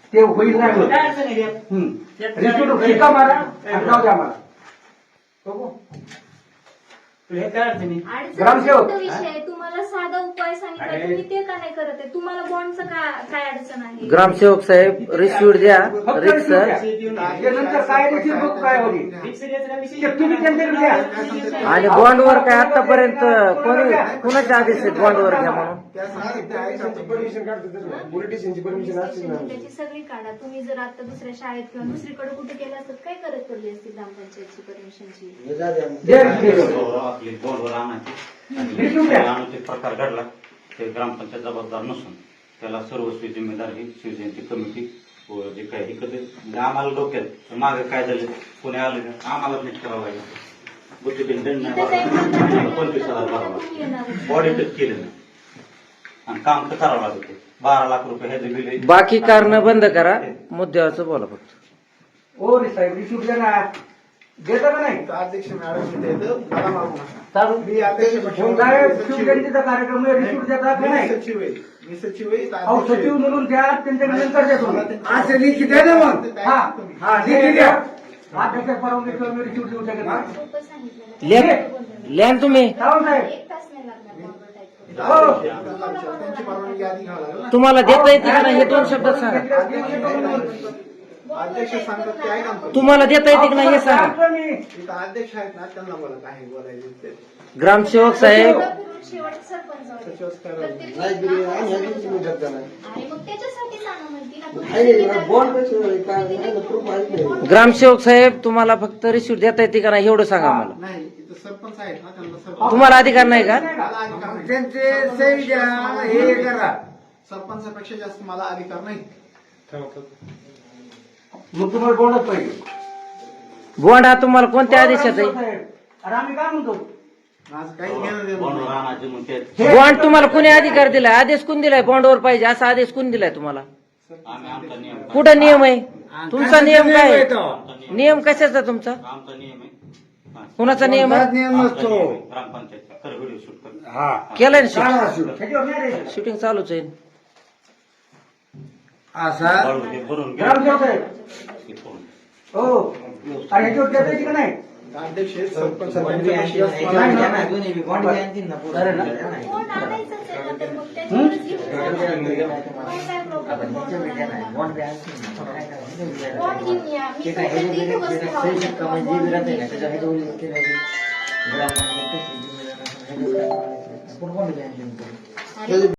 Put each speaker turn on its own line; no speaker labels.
ते होईल नाही होत. रिसिप्ट शिका मारा आणि जाऊ द्या मला. बघू. ग्रामसेवक
विषय तुम्हाला साधा उपाय सांगितला तुम्ही ते का नाही करत आहे? तुम्हाला बॉन्डचं काय अडचण आहे?
ग्रामसेवक साहेब रिसिप्ट द्या रिक्स
नंतर काय रिसिप्ट बघ काय होईल तुम्ही त्यांच्याकडे द्या.
आणि बॉन्डवर काय आतापर्यंत कोणी कुणाचे आदेश आहेत बॉन्डवर घ्या म्हणून?
त्याची सगळी काढा. तुम्ही जर आता दुसऱ्या शाळेत किंवा दुसरीकडे कुठे केलं असतं काय करत पडली असती ग्रामपंचायतची परमिशनची?
बोर्डवर आणायचे प्रकार घडला ते ग्रामपंचायत जबाबदार नसून त्याला सर्वस्वी जिम्मेदार ही शिवजयंती कमिटी व जे काही हे कधी म्हणजे आम्हाला डोक्यात मागे काय झालं कोणी आलं का आम्हाला नीट करावं लागेल. बुद्धिबीन दंड नाही भरावा 25,000 भरावा बॉडी टच केलं नाही आणि काम तर करावं लागतं. 12 लाख रुपये ह्याचे बिल.
बाकी कारण बंद करा मुद्द्यावरचं बोला फक्त.
ओ रे साहेब रिसिप्ट द्या ना. देता का नाही?
अध्यक्ष मॅडम मला मागू नका.
चालू
मी अध्यक्ष
साहेब शिवजयंतीचा कार्यक्रम आहे रिसिप्ट देता का नाही?
सचिव आहे. मी सचिव आहे.
अहो सचिव म्हणून द्या त्यांच्याकडे नंतर द्या तुम्ही.
असं लिखित द्या ना मग.
हा हा लिखित द्या. अध्यक्ष परवानगी किंवा मी रिसिप्ट देऊ शकत नाही.
सोपं सांगितलं ना.
लिहा तुम्ही.
सावंत साहेब
1 तास नाही लागणार बॉन्ड टाईप करायला.
हो
त्यांची परवानगी आधी घ्यावं लागेल ना.
तुम्हाला देता येते का नाही हे 2 शब्दात सांगा.
अध्यक्ष सांगतात ते ऐका ना.
तुम्हाला देता येते की नाही हे सांगा.
इथं अध्यक्ष आहेत ना त्यांना बोला काय बोलायचं ते.
ग्रामसेवक साहेब
शेवट सरपंच
सचिवच करावं.
आणि मग त्याच्यासाठीच आणा म्हणते ना.
ग्रामसेवक साहेब तुम्हाला फक्त रिसिप्ट देता येते का नाही एवढं सांगा मला.
नाही इथं सरपंच आहेत ना त्यांना सरपंच
तुम्हाला अधिकार नाही का?
त्यांचे सही द्या हे करा. सरपंचापेक्षा जास्त मला अधिकार नाही.
मग तुम्हाला बोलत पाहिजे.
बॉन्ड हा तुम्हाला कोणत्या आदेशात आहे?
अरे आम्ही काय म्हणतो
माझं काही घेणं देणं
बॉन्डवर
नाही.
आणायचे मग ते
बॉन्ड तुम्हाला कोणी अधिकार दिलाय? आदेश कोण दिलाय बॉन्डवर पाहिजे असा आदेश कोण दिलाय तुम्हाला?
आम्ही आमचा नियम
कुठं नियम आहे तुमचा? नियम काय आहे?
आमचा नियम
नियम कशाचा तुमचा?
आमचा नियम आहे.
कुणाचा नियम आहे?
ग्रामपंचायतचा कर व्हिडिओ शूट कर.
केलाय ना
ह्याच्यावर नाही रे.
शूटिंग चालूच आहे.
भरून घे.
ग्रामसेवक साहेब
हे करून.
हो अरे ह्याच्यावर देता येते का नाही?
अध्यक्ष आहेत, सरपंच आहेत,
नाही ना.
बॉन्ड आणायचंच आहे ना तर मग त्याच्यावरच घेऊन जा. काय प्रॉब्लेम बॉन्ड घेऊन या. मी फक्त 3 वस्तू लावणार.